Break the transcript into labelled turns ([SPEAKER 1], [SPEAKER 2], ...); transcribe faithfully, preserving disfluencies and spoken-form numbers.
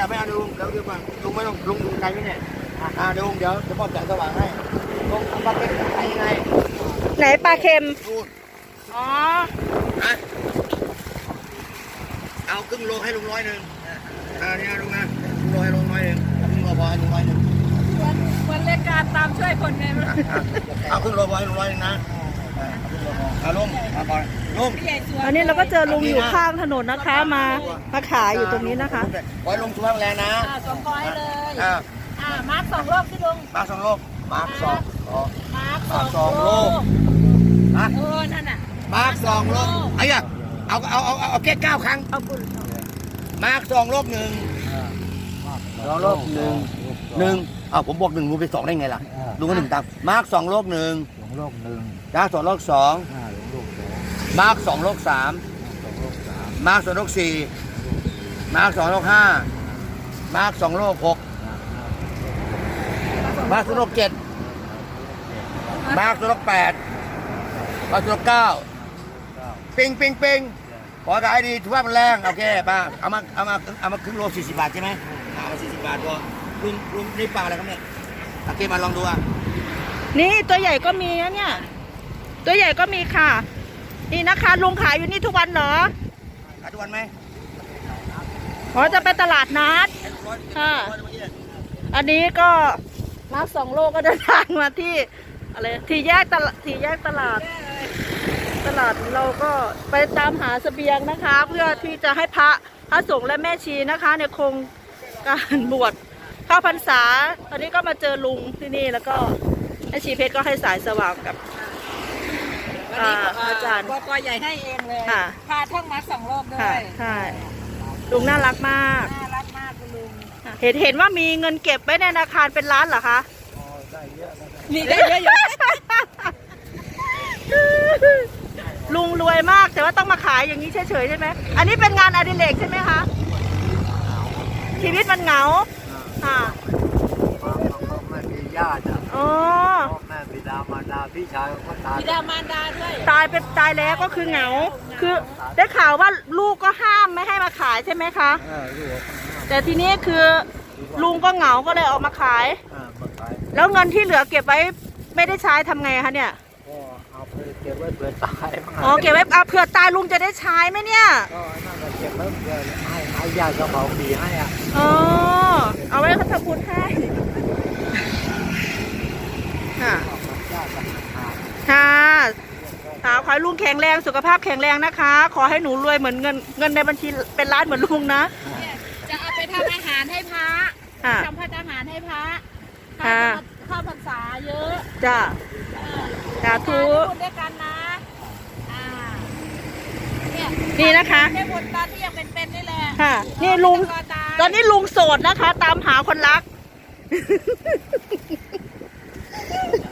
[SPEAKER 1] ไม่เอาลุงเดี๋ยวดูก่อนลุงไม่ต้องลุงดูไกลไหมเนี่ยอ่าเดี๋ยวลุงเดี๋ยวจะมอบแสงสว่างให้ลุงทำปลาเค็มขายยังไง
[SPEAKER 2] ไหนปลาเค็ม
[SPEAKER 1] นู่น
[SPEAKER 2] อ๋อ
[SPEAKER 1] นะเอาครึ่งโลให้ลุงร้อยหนึ่งอ่านี่ลุงนะครึ่งโลให้ลุงร้อยหนึ่งครึ่งโลพอให้ลุงร้อยหนึ่ง
[SPEAKER 3] วันรายการตามช่วยคนไงมั้ง
[SPEAKER 1] เอาครึ่งโลพอให้ลุงร้อยหนึ่งนะเอาลุงมาก่อนลุง
[SPEAKER 2] อันนี้เราก็เจอลุงอยู่ข้างถนนนะคะมามาขายอยู่ตรงนี้นะคะ
[SPEAKER 1] ไว้ลุงช่วยแรงนะ
[SPEAKER 3] สองร้อยเลย
[SPEAKER 1] อ่า
[SPEAKER 3] อ่ามาร์คสองโลกที่ลุง
[SPEAKER 1] มาร์คสองโลกมาร์คสอง
[SPEAKER 3] มาร์ค
[SPEAKER 1] สองโลก
[SPEAKER 3] นะเออนั่นน่ะ
[SPEAKER 1] มาร์คสองโลกไอ้อะเอาเอาเอาเอาแค่เก้าครั้ง
[SPEAKER 3] เอาคุณ
[SPEAKER 1] มาร์คสองโลกหนึ่งสองโลกหนึ่งหนึ่งอ้าวผมบอกหนึ่งลุงไปสองได้ไงล่ะลุงก็หนึ่งตามมาร์คสองโลกหนึ่ง
[SPEAKER 4] สองโลกหนึ่ง
[SPEAKER 1] มาร์คสองโลกสองมาร์คสองโลกสามมาร์คสองโลกสี่มาร์คสองโลกห้ามาร์คสองโลกหกมาร์คสองโลกเจ็ดมาร์คสองโลกแปดมาร์คสองโลกเก้าปิงปิงปิงขอขายดีถือว่ามันแรงโอเคป้าเอามาเอามาเอามาครึ่งโลสี่สิบบาทใช่ไหมเอามาสี่สิบบาทพอลุงลุงนี่ปลาอะไรครับเนี่ยโอเคมาลองดูอ่ะ
[SPEAKER 2] นี่ตัวใหญ่ก็มีนะเนี่ยตัวใหญ่ก็มีค่ะนี่นะคะลุงขายอยู่นี่ทุกวันเหรอ
[SPEAKER 1] ขายทุกวันไหม
[SPEAKER 2] อ๋อจะไปตลาดนัดค่ะอันนี้ก็มาสองโลก็เดินทางมาที่อะไรที่แยกตลาดที่แยกตลาดตลาดเราก็ไปตามหาเสบียงนะคะ เพื่อที่จะให้พระพระสงฆ์และแม่ชีนะคะในโครงการบวชเข้าพรรษาตอนนี้ก็มาเจอลุงที่นี่แล้วก็แม่ชีเพชรก็ให้สายสว่างกับอาจารย์
[SPEAKER 3] บกใหญ่ให้เองเลยพาท่องมาสองโลกด้วย
[SPEAKER 2] ใช่ลุงน่ารักมาก
[SPEAKER 3] น่ารักมากคุณลุง
[SPEAKER 2] เห็นเห็นว่ามีเงินเก็บไว้ในธนาคารเป็นล้านเหรอคะ
[SPEAKER 3] มีได้เยอะอยู่
[SPEAKER 2] ลุงรวยมากแต่ว่าต้องมาขายอย่างนี้เฉยๆใช่ไหมอันนี้เป็นงานอดิเรกใช่ไหมคะชีวิตมันเหงาค่ะ
[SPEAKER 4] แม่มีญาติ
[SPEAKER 2] อ๋อ
[SPEAKER 4] แม่บิดามารดาพี่ชายก็ตาย
[SPEAKER 3] บิดามารดาด้วย
[SPEAKER 2] ตายเป็นตายแล้วก็คือเหงาคือได้ข่าวว่าลูกก็ห้ามไม่ให้มาขายใช่ไหมคะแต่ทีนี้คือลุงก็เหงาก็เลยออกมาขายแล้วเงินที่เหลือเก็บไว้ไม่ได้ใช้ทำไงคะเนี่ย
[SPEAKER 4] เอาไปเก็บไว้เผื่อตาย
[SPEAKER 2] อ๋อเก็บไว้เอาเผื่อตายลุงจะได้ใช้ไหมเนี่ย
[SPEAKER 4] ก็นั่นก็เก็บไว้เผื่อให้ให้ญาติเขาเผาผีให้อ่ะ
[SPEAKER 2] อ๋อเอาไว้เขาทำบุญให้ค่ะค่ะค่ะขอให้ลุงแข็งแรงสุขภาพแข็งแรงนะคะขอให้หนูรวยเหมือนเงินเงินในบัญชีเป็นล้านเหมือนลุงนะ
[SPEAKER 3] จะเอาไปทำอาหารให้พระทำพัฒอาหารให้พระ
[SPEAKER 2] ค่ะ
[SPEAKER 3] เข้าพรรษาเยอะ
[SPEAKER 2] จ้าสาธุ
[SPEAKER 3] ด้วยกันนะ
[SPEAKER 2] นี่นะคะ
[SPEAKER 3] แค่บนตาที่ยังเป็นๆนี่แหละ
[SPEAKER 2] ค่ะนี่ลุงตอนนี้ลุงโสดนะคะตามหาคนรัก